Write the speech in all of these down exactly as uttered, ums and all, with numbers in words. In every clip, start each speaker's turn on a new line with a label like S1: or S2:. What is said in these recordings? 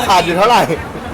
S1: ขาดอยู่เท่าไหร่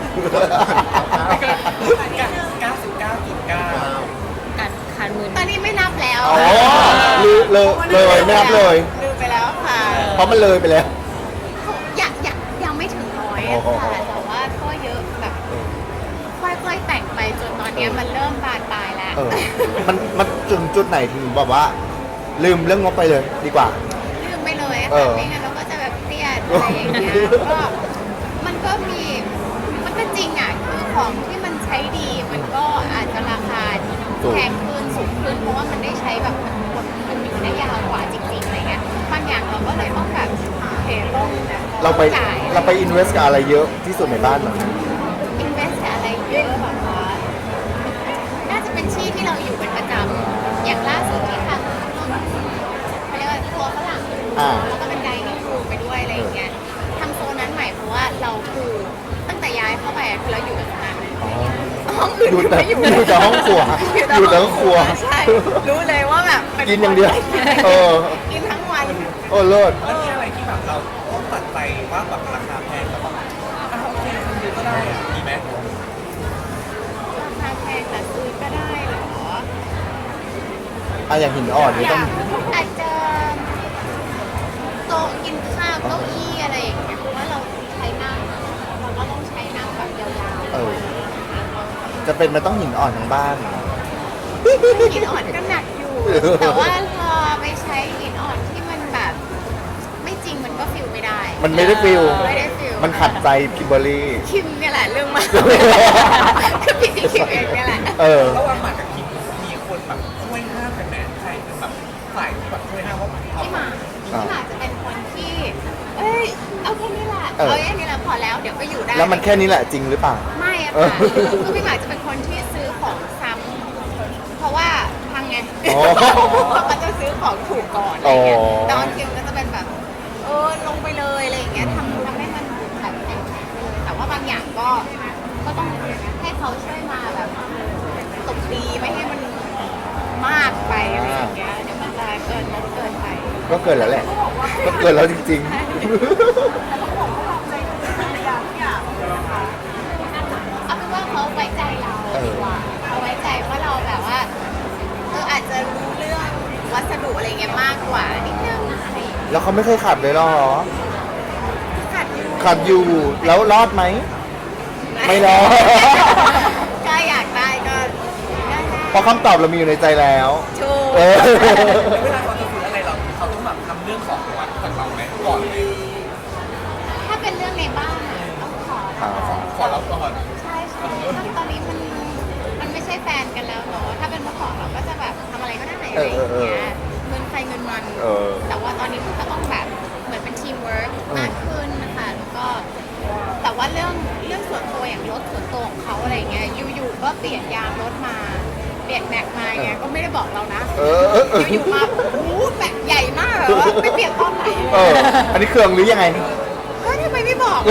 S2: เก้าสิบเก้าจุดเก้า
S3: การคันมือ
S4: ตอนนี้ไม่นับแล้ว
S1: อ๋อเลยเลยเลยไม่นับเลย
S4: ลืมไปแล้วค่ะ
S1: เพราะมันเลยไปแล้ว
S4: ยังยังยังไม่ถึงร้อยอะค่ะแต่ว่าก็เยอะแบบค่อยๆแต่งไปจนตอนนี้มันเริ่มบานปลายแล้ว
S1: เออมันมันจุดจุดไหนถึงแบบว่า ลืมเรื่องงบไปเลยดีกว่า
S4: ลืมไปเลย
S1: เอ
S4: ค่ะ
S1: อ
S4: ไม่งั้นเราก็จะแบบเครียดอะไรอย่างเงี้ยก็มันก็มีมันก็จริงอ่ะคือของที่มันใช้ดีมันก็อาจจะราคาแพงขึ้นสูงขึ้นเพราะว่ามันได้ใช้แบบมันมันอยู่ได้ยาวกว่าจริงๆอะไรเงี้ยบางอย่างเราก็เลยต้องแบบเทต้อง
S1: เราไป
S4: จ่าย
S1: เราไปอินเวสกับอะไรเยอะที่สุดในบ้านเหรอ
S4: อินเวสต์อะไรเยอะแบบว่าน่าจะเป็นที่ที่เราอยู่เป็นประจำอย่างล่าสุดที่ทำเขาเรียกว่าทัวร์ฝรั่ง
S1: อ่า
S4: แล้วก็เป็นไดนิ่งรูมไปด้วยอะไรอย่างเงี้ยทำโซนนั้นใหม่เพราะว่าเราคือตั้งแต่ย้ายเข้าไปอะคือเราอยู่กับตรงนั้นห้องอื่น
S1: อยู่แต่
S4: ไม่อยู่
S1: อยู่แต่ห้องครัวอยู่แต่ห้องครัว
S4: ใช่รู้เลยว่าแบบเป็
S1: กินอย่างเดียวเออ
S4: กินทั้งวัน
S1: โอ้เลิศ
S2: แล้วมีอะไรที่แบบเราต้องตัดใจว่าแบบราคาแพงแล้วแบบอ่ะโอเคคุณดูก็ได้อ่ะดีไหม
S4: ราคาแพงแต่ซื้อก็ได้เหรอ
S1: อ่ะอย่างหินอ่อนนี่
S4: อ
S1: ต้อย
S4: าง กอาจจะโต๊ะกินข้าวเก้าอี้อะไรอย่างเงี้ยเพราะว่าเราใช้นั่งเราก็ต้องใช้นั่งแบบยาวๆ
S1: เออ จะเป็นมันต้องหินอ่อนทั้งบ้าน
S4: หินอ่อนก็หนักอยู่ แต่ว่าพอไปใช้หินอ่อนที่มันแบบ ไม่จริงมันก็ฟิลไม่ได้
S1: มันไม่ได้ฟิล
S4: ไม่ได้ฟิล
S1: มันขัดใจคิมเบอร์รี่
S4: คิมเนี่ยแหละเรื่องมากคือพี่ที่คิมเองเนี่ยแหละ
S1: เออ
S2: ระหว่างหมากกับคิมมีคนแบบช่วยห้ามกันไหมใครเป็นแบบฝ่ายที่แบบช่วยห้ามว่าเอา
S4: พี่หมาก
S1: อ่า
S4: พี่หมากจะเป็นคนที่ เอ้ย เอาแค่นี้แหละ
S1: เออ
S4: เอาแค่นี้แหละพอแล้วเดี๋ยวก็อยู่ได้
S1: แล้วมันแค่นี้แหละจริงหรือเปล่า
S4: ไม่อะ
S1: เออ
S4: ค่ะคือพี่หมากจะเป็นคนที่ซื้อของซ้ำเพราะว่าพังไง
S1: อ๋อ
S4: เขาก็จะซื้อของถูกก่อนอะไรเงี้ย
S1: อ๋อ
S4: แต่ออนคิมก็จะเป็นแบบ เออลงไปเลยอะไรอย่างเงี้ยทำทำให้มันแบบแข็งๆไปเลยแต่ว่าบางอย่างก็ก็ต้องให้เขาช่วยมาแบบตบตีไม่ให้มันมากไปอะไรอย่างเงี้ยเดี๋ยวมันจะเกินงบเกินไป
S1: ก็เกินแล้วแหละ ก็เกินแล้วจริง
S4: เอาเป็นว่าเขาไว้ใจเราดีกว่าเขาไว้ใจว่าเราแบบว่าเอออาจจะรู้เรื่องวัสดุอะไรเงี้ยมากกว่านิดนึงอะไรอย่างเงี้ย
S1: ๆ แล้วเขาไม่เคยขัดเลยเหรอ
S4: ขัดอยู่
S1: ขัดอยู่ แล้วรอดไหม ไม่รอด
S4: ก็อยากได้ก็ได้
S1: เพราะคำตอบเรามีอยู่ในใจแล้ว
S4: ถูก
S1: เออ
S2: เวลาเขาจะซื้ออะไรเราเขาต้องแบบทำเรื่องของวัดจากเราไหมก่อนเลย
S4: ถ้าเป็นเรื่องในบ้านอะต้องขอ
S1: อ่า
S2: ขอเราก่อน
S4: ใช่ใช่ตอนนี้มันมันไม่ใช่แฟนกันแล้วเนาะถ้าเป็นเมื่อก่อนเราก็จะแบบทำอะไรก็ได้อะไรอย่างเงี้ยเงินใครเงินมัน
S1: เออ
S4: แต่ว่าตอนนี้มันก็ต้องแบบเหมือนเป็นทีมเวิร์กมากขึ้นนะคะแล้วก็แต่ว่าเรื่องเรื่องส่วนตัวอย่างรถส่วนตัวของเขาอะไรเงี้ยอยู่ๆก็เปลี่ยนยางรถมาเปลี่ยนแม็กมาเงี้ยก็ไม่ได้บอกเรานะ
S1: เออเออเออ
S4: อยู่ๆมาโอ้โหแม็กใหญ่มากเลยว่าไปเปลี่ยนตอนไหน
S1: เออ อันนี้เครื่องหรือยังไง
S4: เฮ้ยทำไมไม่บอก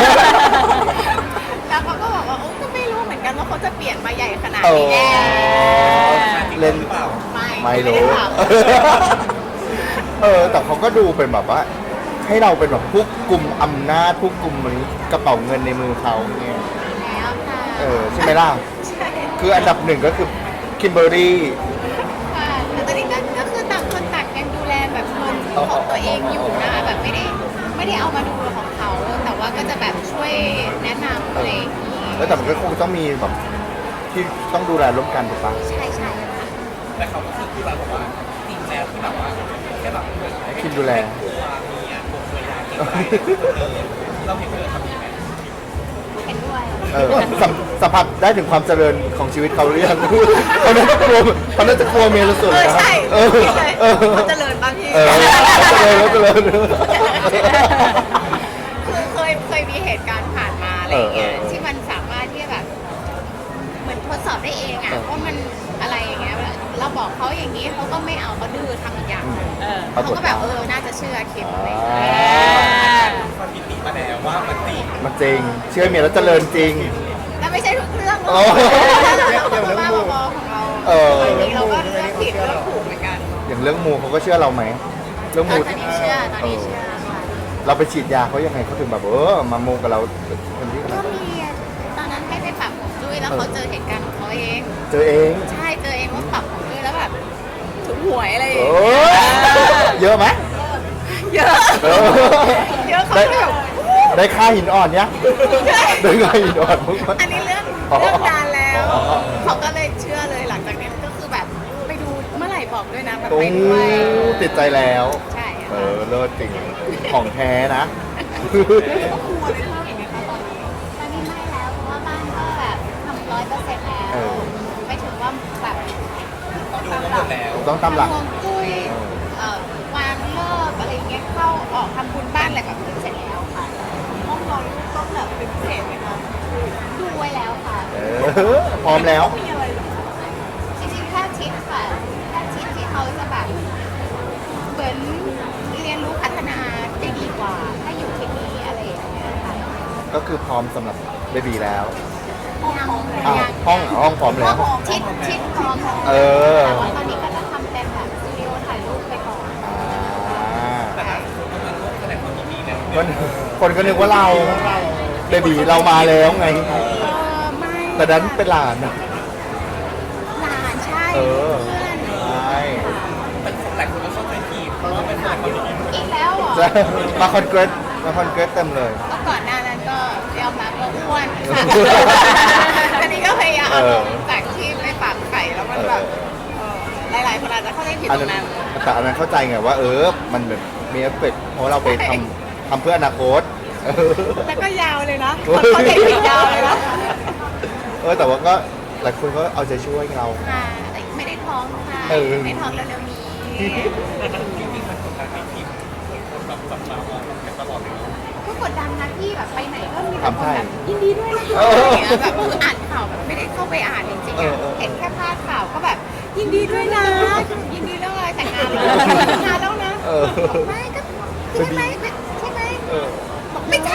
S4: แล้วเขาก็บอกว่าโอ้ก็ไม่รู้เหมือนกันว่าเขาจะเปลี่ยนมาใหญ่ขนาด
S1: เอ
S4: นี้
S1: อ เล่น
S2: หรือเปล่า
S4: ไม่
S1: ไม่
S4: ได้
S1: รู้
S4: ถาม
S1: เออ แต่เขาก็ดูเป็นแบบว่า ให้เราเป็นแบบผู้กลุ่มอำนาจผู้กลุ่มเหมือนกระเป๋าเงินในมือเขาเนี่ย
S4: แล้วค่ะ
S1: เออ ใช่ไหมล่ะ
S4: ใช่
S1: คืออันดับหนึ่งก็คือคิมเบอร์รี่
S4: ค่ะแต่ตอนนี้ก็ก็คือต่างคนต่างยังดูแลแบบเงินของตัวเองอยู่นะแบบไม่ได้ไม่ได้เอามาดูของเขา แต่ว่าก็จะแบบช่วยแนะนำอะไรอย่างนี้
S1: แล้วแต่มันก็คงต้องมีแบบที่ต้องดูแลร่วมกันถูกปะ
S4: ใช่ใช่ค่ะ
S2: แต่เขาก็คือพูดเราบอกว่าจริงแล้วที่แบบว่าแค่แบบเหมือนให้
S1: คิมดูแล
S2: ตัวเมียตัวภรรยาเกรงใจเราเห็นเลยทำยังไง
S4: เห็นด้วย
S1: เออสัมสัมผัสได้ถึงความเจริญของชีวิตเขาหรือยัง เขาน่าจะกลัวเขาน่าจะกลัวเมียเราสุด
S4: เออ
S1: นะ
S4: ใช่
S1: เออ
S4: คิดเลย
S1: เออ
S4: เขาเจริญบ้างพี่
S1: เออเจริญแล้วเจริญ
S4: คือเคยเคยมีเหตุการณ์ผ่านมาอะไรอย่างเงี้ย
S1: เออเออ
S4: ที่มันสามารถที่จะแบบ เหมือนทดสอบได้เองอ่ะ
S1: เออ
S4: ว่ามันอะไรอย่างเงี้ยเราบอกเขาอย่างนี้เขาก็ไม่เอาเขาดื้อทำอีกอย่างหนึ่ง
S3: เออ
S1: ปรา
S4: เขา
S1: กฏ
S4: ก็แบบเออน่าจะเชื่อคิมอะไรอย่างเงี้ย
S2: สถิติมาแล้วว่ามันจริง
S1: มันจริง เชื่อเมียแล้วเจริญจริง
S4: แต่ไม่ใช่ทุกเรื่องหร
S1: โอ้
S4: อกเราก็บ้าๆบอๆของเรา
S1: เออ
S4: บางทีเราก็เลือกผิดเลือกถูกเหมือนกัน
S1: อย่างเรื่องมูเขาก็เชื่อเราไหมเรื่อง
S4: ต
S1: มู
S4: อนนี้เชื่อตอนนี้เชื่อค่ะ
S1: เราไปฉีดยาเขายังไงเขาถึงแบบเออมามูกับเราคนที่
S4: เขาเจอเหตุการณ์ของเขาเอง
S1: เจอเอง
S4: ใช่เจอเองว่าปรับของเออแล้วแบบถูกหวยอะไรอย่าง
S1: โอ้
S4: เงี้ย
S1: ยเยอะไหม
S4: เยอะ
S1: เออ
S4: เยอะเขา
S1: ได้
S4: ก็แบบ
S1: ได้ค่าหินอ่อนเนี้ยได้ค่าหินอ่อนมั้ง
S4: อันนี้เรื่อง
S1: อ๋อ
S4: เรื่องนานแล้ว
S1: อ๋อ
S4: เขาก็เลยเชื่อเลยหลังจากนี้ก็คือแบบไปดูเมื่อไหร่บอกด้วยนะแบบ
S1: โอ้
S4: ไปด้วย
S1: ติดใจแล้ว
S4: ใช่
S1: เอ
S4: ค่ะ
S1: อเลิศจริงของแท้นะ
S4: ครอบครัวเลยเท่าไหร่ไหมคะตอนนี้ตอนนี้ไม่แล้วเพราะว่าบ้านก็แบบทำร้อยเปอร์เซ็นต์แล้ว
S1: เออ
S4: ไม่ถึงว่าแบบ
S2: ดูก็หมดแล้ว
S1: ต้องตามหลัก
S4: ทำฮวงจุ้ยเอ่อวางเลิกอะไรอย่างเงี้ยเข้าออกทำบุญบ้านอะไรแบบนี้เสร็จแล้วค่ะห้องนอนลูกต้องแบบเป็นพิเศษไหมคะดูไว้แล้วค่ะ
S1: เออพร้อมแล้ว
S4: มีอะไรหรอจริงๆแค่ทิศค่ะแค่ทิศที่เขาจะแบบเหมือนเรียนรู้พัฒนาได้ดีกว่า ถ้าอยู่ที่นี่อะไรอย่างเงี้ยค่ะ
S1: ก็คือพร้อมสำหรับเบบีแล้ว
S4: ยัง
S1: อ้าว
S4: ยัง
S1: ห้องห้องพร้อมแล้ว
S4: ทิศทิศพร้อมแล้ว
S1: เออ
S4: แต่ว่าตอนนี้ก็จะทำเป็นแบบสตูดิโอถ่ายรูปไปก่อน
S1: อ่า
S2: แต่ถ้าคนก็มาร่วมแสดงความยินดีแล้ว
S1: คนคนก็นึกว่าเราเบบีเรามาแล้วไง
S4: เออไม่
S1: แต่ดันเป็นหลานนะ
S4: หลานใช่
S1: เออ
S4: เพื่อน
S1: ใช่
S2: แต่หลายคนก็เข้าใจผิดเพราะว่าเป็นแสดงความยินดี
S4: อีกแล้วเหรอ
S1: จะมาคอนเกรสมาคอนเกรสเต็มเลย
S4: ก็ก่อนหน้านั้นก็ยอมรับว่าอ้วนค่ะอันนี้ก็พยายาม
S1: เออ
S4: จากที่ไปฝากไข่แล้วมันแบบเออหลายๆคนอาจจะเข้าใจผิด
S1: อัน
S4: ตร
S1: นั้น
S4: งนั้น
S1: แต่อันนั้นเข้าใจไงว่า เออ มันแบบมีเอฟเฟกต์เพราะเราไปทำทำเพื่ออนาคตเออ
S4: แล้วก็ยาวเลยนะคนเข้าใจผิดยาวเลยนะ
S1: เออแต่ว่าก็หลายคนก็เอาใจช่วยเรา
S4: ค่ะแต่ไม่ได้ท้องค่ะ
S1: เออ
S4: ไม่ท้องเร็วๆนี้
S2: จริงๆมันกดดันให้ทีมคนแบบจับตามองกันตลอดเลย
S4: ก็กดดันนะที่แบบไปไหนก็มีแต่
S1: ทำ
S4: คน
S1: ให้
S4: แบบยินดีด้วยนะคะ
S1: เอ
S4: อะไร
S1: อ
S4: อย่างเงี้ยแบบคืออ่านข่าวแบบไม่ได้เข้าไปอ่านจริงๆ
S1: เอ
S4: อะ
S1: อเออ
S4: เห็นแค่พาดข่าวก็แบบ ยินดีด้วยนะ ยินดีเรื่องอะไรแต่งงานแล้วแต่งงานแล้วนะ
S1: เออ
S4: บอกไม่ก็ใช่ไหมใช่ไหม
S1: เออ
S4: บอกไม่ใช่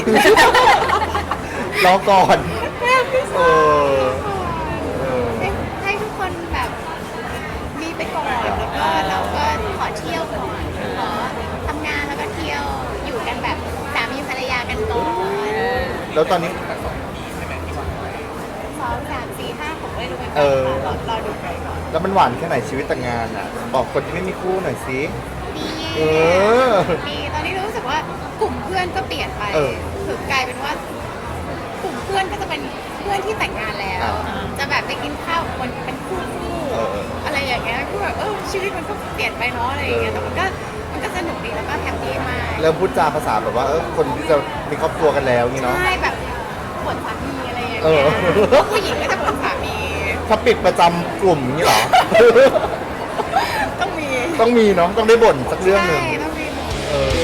S1: รอก่อน
S4: แบบไม่
S1: เอ
S4: ใช่
S1: อเออ
S4: ให้ให้ทุกคนแบบมีไปก่อนแล้วก็เราก็ขอเที่ยวก่อนขอทำงานแล้วก็เที่ยวอยู่กันแบบสามีภรรยากันก่อน
S1: แล้วตอนนี้
S4: สองสามสี่ห้าผมไม่รู้เหมือนกั
S1: เอน อ
S4: ค่ะรอรอดูไปก่อน
S1: แล้วมันหวานแค่ไหนชีวิตแต่งงานอ่ะ บอกคนที่ไม่มีคู่หน่อยสิ
S4: ดี
S1: เออ
S4: ดีตอนนี้รู้สึกว่ากลุ่มเพื่อนก็เปลี่ยนไป
S1: เออ
S4: คือกลายเป็นว่ากลุ่มเพื่อนก็จะเป็นเพื่อนที่แต่งงานแล้ว
S1: อ่า
S4: จะแบบไปกินข้าวกับคนเป็นคู่คู่
S1: เออ
S4: อะไรอย่างเงี้ยคือแบบเออชีวิตมันก็เปลี่ยนไปเนาะอะไรอย่างเงี้ยแต่มันก็มันก็สนุกดีแล้วก็แฮปปี้มาก
S1: เริ่มพูดจาภาษาแบบว่าเออคนที่จะมีครอบครัวกันแล้วนี่เนาะ
S4: ใช่แบบปวดสามีอะไรอย่าง
S1: เอ
S4: เงี้
S1: อ
S4: ยผู้หญิงก็จะปวดสามี
S1: ถ้าปิดประจำกลุ่มนี่เหรอ
S4: ต้องมี
S1: ต้องมีเนาะต้องได้บ่นสักเรื่องหนึ่ง
S4: ใช่ต้องมีหมด
S1: เออ